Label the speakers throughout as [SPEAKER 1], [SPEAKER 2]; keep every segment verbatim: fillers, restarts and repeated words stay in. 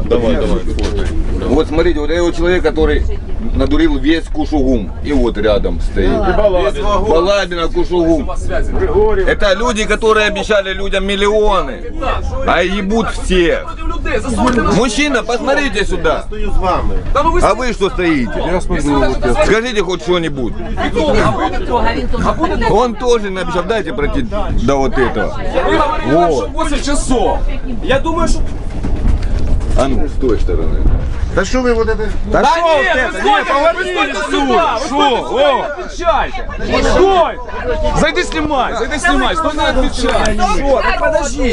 [SPEAKER 1] Давай, давай. Вот смотрите, вот этот человек, который надурил весь Кушугум. И вот рядом стоит. Балабина, Кушугум. Это люди, которые обещали людям миллионы, а ебут всех. Мужчина, посмотрите сюда. А вы что стоите? Скажите хоть что-нибудь. Он тоже не обещал. Дайте пройти до вот этого. Вот.
[SPEAKER 2] восемь часов. Я думаю, что...
[SPEAKER 1] А ну, с той стороны.
[SPEAKER 3] Да что вы вот это...
[SPEAKER 2] Да, да нет, нет, вы нет, поверните сюда. Что? Отвечайте. Стой! Зайди снимай, зайди снимай, стой, не отвечай. Что? Так подожди.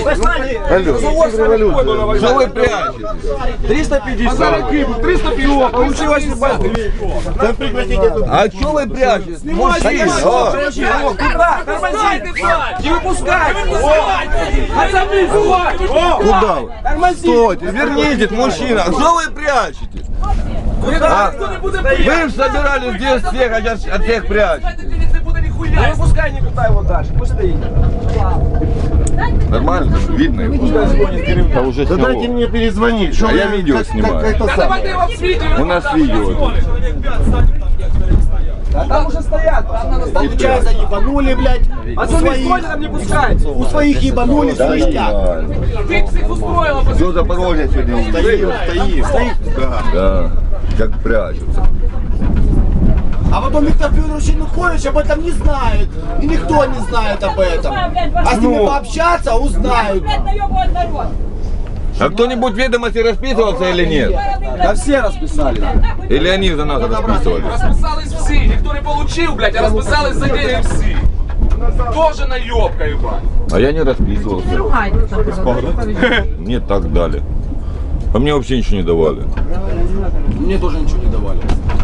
[SPEAKER 1] Алло, что вы прячете?
[SPEAKER 2] триста пятьдесят. триста пятьдесят. Получилось
[SPEAKER 1] Да прекратите тут. А что вы прячете? Мужчина.
[SPEAKER 2] Куда? Тормозите, блядь. Не выпускайте. Отзови,
[SPEAKER 1] Куда вы? Стойте, верните, мужчина. Что вы прячете? А? Вы собирались здесь всех, а сейчас от всех прячете.
[SPEAKER 2] Не выпускай никуда его дальше, пусть стоит.
[SPEAKER 1] Нормально, видно его. Да, уже
[SPEAKER 3] да дайте мне перезвонить.
[SPEAKER 1] А я видео как, снимаю. Как, как это у нас видео.
[SPEAKER 2] А там уже стоят.
[SPEAKER 3] Получается, ебанули, блядь.
[SPEAKER 2] А у своих там не пускайте.
[SPEAKER 3] У своих ебанули,
[SPEAKER 1] да,
[SPEAKER 3] свистят.
[SPEAKER 2] Ты всех устроила.
[SPEAKER 1] Все Запорожье сегодня.
[SPEAKER 3] Стоит, стоит, стоит.
[SPEAKER 1] Да. Да. Как прячутся.
[SPEAKER 3] А потом Виктор Федорович Янукович об этом не знает. И никто не знает об этом. А с ними ну. пообщаться, узнают.
[SPEAKER 1] А кто-нибудь в ведомости расписывался или нет?
[SPEAKER 2] Да все расписали.
[SPEAKER 1] Или они за нас расписывали?
[SPEAKER 4] Расписались все, никто не получил, блядь, а расписались за деньги все. Тоже наебка, ебать.
[SPEAKER 1] А я не расписывался. Нет, так дали. А мне вообще ничего не давали.
[SPEAKER 2] Мне тоже ничего не давали.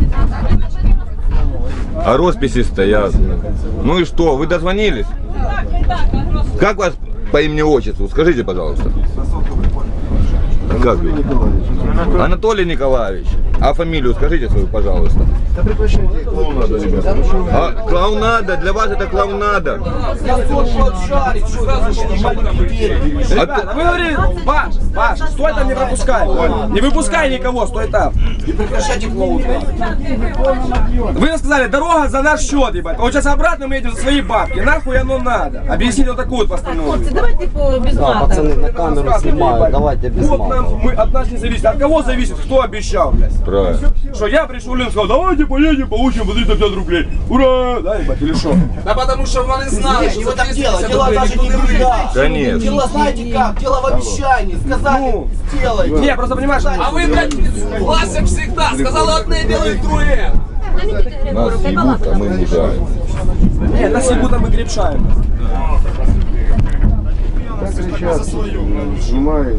[SPEAKER 1] А росписи стоят. Ну и что, вы дозвонились? Как вас по имени-отчеству? Скажите, пожалуйста. Как вы? Анатолий Николаевич. А фамилию скажите свою, пожалуйста.
[SPEAKER 3] Да прекращайте. Клоунада, ребята.
[SPEAKER 1] А, клоунада, для вас это клоунада.
[SPEAKER 2] Ребята, вы говорили, Паш, Паш, стой там, не пропускай. Не выпускай никого, стой там.
[SPEAKER 3] Не прекращайте клоунада.
[SPEAKER 2] Вы сказали, дорога за наш счет, ебать. Вот сейчас обратно мы едем за свои бабки. Нахуй оно надо. Объясните вот такую вот постановку.
[SPEAKER 5] Давайте без мата.
[SPEAKER 6] Пацаны на камеру снимают, давайте без
[SPEAKER 2] Вот
[SPEAKER 6] мата.
[SPEAKER 2] нам, мы, от нас не зависит. От кого зависит? Кто обещал, блядь?
[SPEAKER 1] Правильно.
[SPEAKER 2] Что я пришел, Лен сказал, давайте поедем, получим по триста пятьдесят рублей. Ура! Да, ебать, или что?
[SPEAKER 4] Да потому что вони знали,
[SPEAKER 3] Нет,
[SPEAKER 4] что
[SPEAKER 3] не в
[SPEAKER 4] за
[SPEAKER 3] этом
[SPEAKER 4] триста
[SPEAKER 3] дело.
[SPEAKER 4] пятьдесят
[SPEAKER 3] Дело
[SPEAKER 4] рублей
[SPEAKER 3] даже
[SPEAKER 4] никто
[SPEAKER 3] не
[SPEAKER 4] не
[SPEAKER 3] в
[SPEAKER 4] выйдет.
[SPEAKER 3] деньгах.
[SPEAKER 1] Конечно.
[SPEAKER 3] Дело знаете как? Дело в обещании. Сказали,
[SPEAKER 2] Ну.
[SPEAKER 3] сделайте.
[SPEAKER 2] Не, просто понимаешь,
[SPEAKER 4] А вы, блядь, Лася всегда сказала одне, делает другое.
[SPEAKER 1] Нас ебут, а мы мужаем.
[SPEAKER 2] не, нас ебут, а мы крепшаем.
[SPEAKER 3] Снимают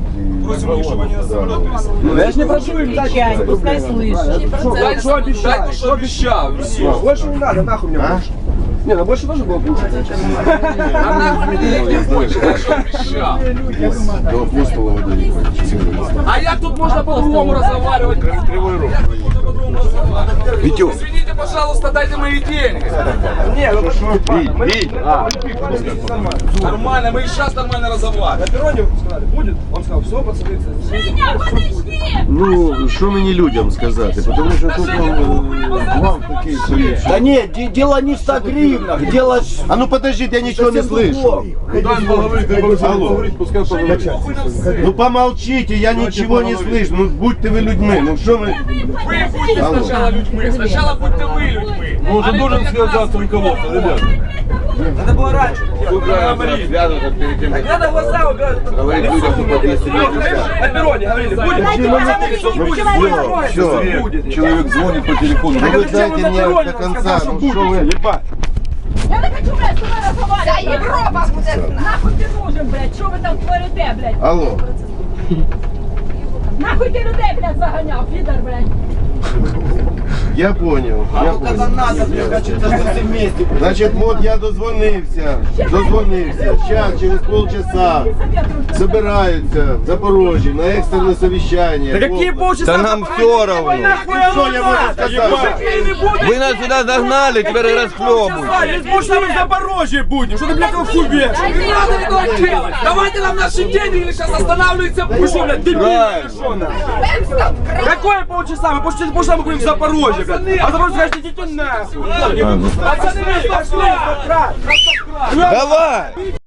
[SPEAKER 2] Ну, я ж не прошу им дать.
[SPEAKER 5] Пускай слышит.
[SPEAKER 4] Дай,
[SPEAKER 2] Что обещал?
[SPEAKER 4] дай, что обещал. Все.
[SPEAKER 2] Больше не надо, нахуй мне больше. Не, ну больше тоже было кушать.
[SPEAKER 4] А нахуй мне не больше, дай, что обещал. А як тут можно по-другому разговаривать? Кривой рог.
[SPEAKER 1] Витек.
[SPEAKER 4] Извините, пожалуйста, дайте мои деньги.
[SPEAKER 2] Не, ну
[SPEAKER 1] Вить, Вить.
[SPEAKER 4] Нормально, мы и сейчас нормально разговариваем.
[SPEAKER 2] на перроне сказали, будет? Он сказал, все, пацаны.
[SPEAKER 3] Ну, що мені людям сказати? Тому що тут вам такий совет. Да нет, де- дело не в ста гривнах, дело... А ну подождите, я ничего не слышу. Ну помолчите, я ничего не слышу. Ну будьте вы людьми, ну что вы...
[SPEAKER 4] Вы будете сначала людьми, сначала будьте вы людьми.
[SPEAKER 2] Ну, уже должен связаться руководство, ребята. Надо было раньше.
[SPEAKER 1] Связываться перед тем, как
[SPEAKER 2] Надо глаза убирать.
[SPEAKER 1] говорить людям, что подъезд
[SPEAKER 2] На перроне говорили, будет?
[SPEAKER 1] Все, человек звонит по телефону.
[SPEAKER 3] Ну вы дайте мне до конца, ну что вы...
[SPEAKER 2] Ебать.
[SPEAKER 5] Я не хочу, блядь, з тобою розмовляти. Та Європа буде. Нахуй ти нужен, блядь, що ви там творите, блядь?
[SPEAKER 3] Алло.
[SPEAKER 5] Нахуй ти людей, блядь, заганяв, підар, блядь.
[SPEAKER 3] Я понял, я понял. Значить, от я дозвонився, дозвонився. Зараз, через полчаса, збираються в Запорожжі на екстрене совещание.
[SPEAKER 2] Какие полчаса?
[SPEAKER 1] Да нам все равно.
[SPEAKER 3] Що я можу сказати?
[SPEAKER 1] Вы нас сюда загнали, теперь и расхлебывайте.
[SPEAKER 2] Через полчаса мы в Запорожье будем. Что ты, блядь, его хуй вешаешь?
[SPEAKER 4] Не надо этого делать! Давайте нам наши деньги или сейчас останавливается.
[SPEAKER 2] Вы что, блядь, дебильные
[SPEAKER 1] Правильно.
[SPEAKER 2] или что, нахуй? Какое полчаса? Мы после через полчаса мы будем в Запорожье, блядь. А Запорожье, скажете, идите нахуй.
[SPEAKER 1] А, ну.
[SPEAKER 2] Пацаны, пошли!
[SPEAKER 1] Давай!